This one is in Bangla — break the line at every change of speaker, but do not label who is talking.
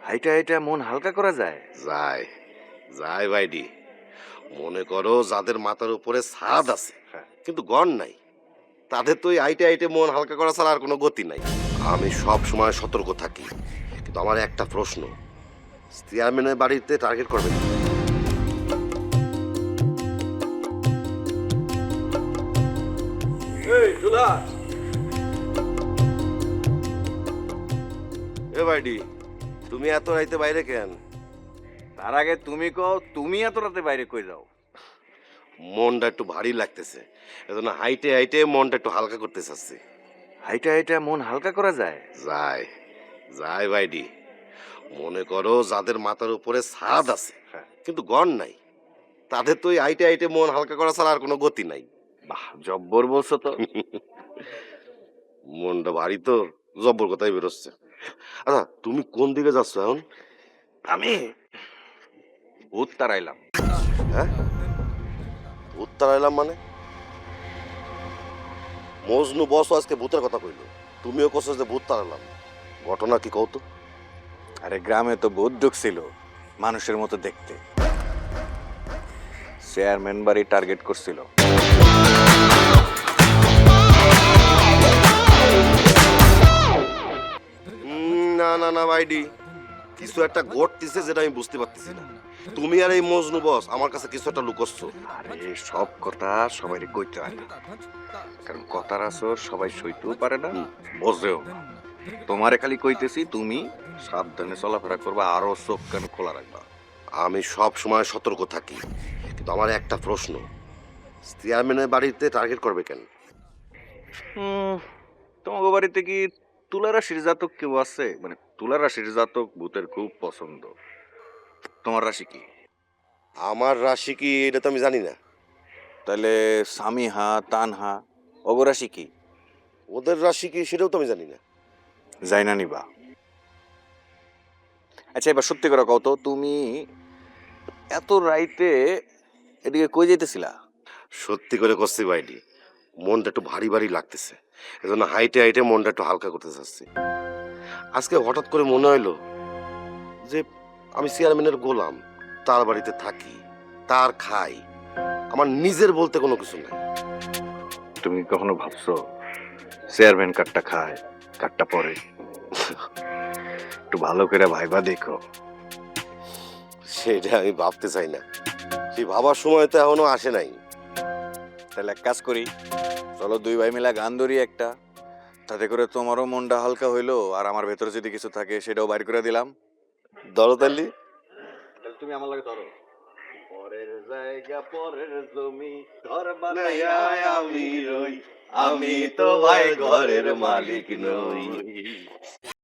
হাইটা হাইটা মন হালকা করা যায়?
যায় যায় ভাইডি। মনে করো যাদের মাথার উপরে ছাদ আছে
হ্যাঁ।
কিন্তু গড় নাই, তাদের তো এই আইটে আইটে মন হালকা করা ছাড়া আর কোনো গতি নাই। আমি সব সময় সতর্ক থাকি, কিন্তু আমার একটা প্রশ্ন, চেয়ারম্যানের বাড়িতে টার্গেট করবেন?
এই দুলা,
এ ভাইডি, তুমি এত রাইতে বাইরে কেন?
তার আগে তুমি কও, তুমি এত রাতে বাইরে কই যাও?
মনটা একটু ভারী লাগতেছে, এজন্য হাইটে হাইটে মনটা একটু হালকা করতে চাচ্ছি।
হাইটা হাইটা মন হালকা করা যায়?
যায় যায় ভাইডি। মনে করো যাদের মাথার উপরে ছাদ আছে
হ্যাঁ।
কিন্তু গড় নাই, তাদের তো এই আইটে আইটে মন হালকা করা ছাড়া আর কোনো গতি নাই।
বাহ, জব্বর বলছো তো।
মনটা ভারী তো, জব্বর কথাই বেরোচ্ছে। আচ্ছা, তুমি কোন দিকে যাচ্ছ এখন?
আমি ভূত তাড়াইলাম।
হ্যাঁ, ভূত তাড়াইলাম মানে? মজনু বস আজকে ভূতের কথা কইলো, তুমিও কছো যে ভূত তাড়ালাম। ঘটনা কি কও তো?
আরে গ্রামে তো ভূত ঢুকছিল, মানুষের মতো দেখতে। চেয়ারম্যান বাড়ি টার্গেট করছিল।
না না না ভাইডি, কিছু একটা ঘটতেছে যেটা আমি বুঝতে পারতেছি না। তুমি আর এই মজনু বস আমার কাছে কিছু একটা লুকোচ্ছ।
আরে সব কথা সবাই কইতে হয় না, কারণ কথার আসর সবাই সইতেও পারে না, বোঝেও না। তোমারে খালি কইতেছি, তুমি সাবধানে চলাফেরা করবা, আরো চোখ কান খোলা রাখবা।
আমি সব সময় সতর্ক থাকি, কিন্তু আমার একটা প্রশ্ন, চেয়ারম্যানের বাড়িতে টার্গেট করবে কেন?
তোমার বাড়িতে কি তুলা রাশির জাতক কেউ আছে? মানে তুলা রাশির জাতক ভূতের খুব পছন্দ। তোমার রাশি কি?
আমার রাশি কি এটা তো আমি জানি না।
তাহলে সামিহা, তানহা, অগ রাশি কি?
ওদের রাশি কি সেটাও তো আমি জানি না।
যাই না নিবা। আচ্ছা এবার সত্যি করে কও তো, তুমি এত রাইতে এদিকে কই যাইতেছিলা?
সত্যি করে করছি ভাইডি, মনটা একটু ভারী ভারী লাগতেছে, এজন্য হাইটে হাইটে মনটা একটু হালকা করতে চাচ্ছি। আজকে হঠাৎ করে মনে হইলো যে আমি চেয়ারম্যানের গোলাম, তার বাড়িতে থাকি, তার খাই, আমার নিজের বলতে কোনো কিছু নাই।
তুমি কখনো ভাবছো চেয়ারম্যান কাঠটা খায় কাঠটা পরে? একটু ভালো করে ভাইবা দেখো।
সেটা আমি ভাবতে চাই না, সেই ভাবার সময় তো এখনো আসে নাই।
তাহলে এক কাজ করি, চলো দুই ভাই মিলা গান ধরি একটা, তাতে করে তোমারও মনটা হালকা হইলো, আর আমার ভেতরে যদি কিছু থাকে সেটাও বাইর করে দিলাম।
ধরো তাহলে।
তুমি আমার লাগে ধরো। পরের জায়গা পরের জমি ঘর বানাইয়া আমি রই, আমি তো ভাই ঘরের মালিক নই।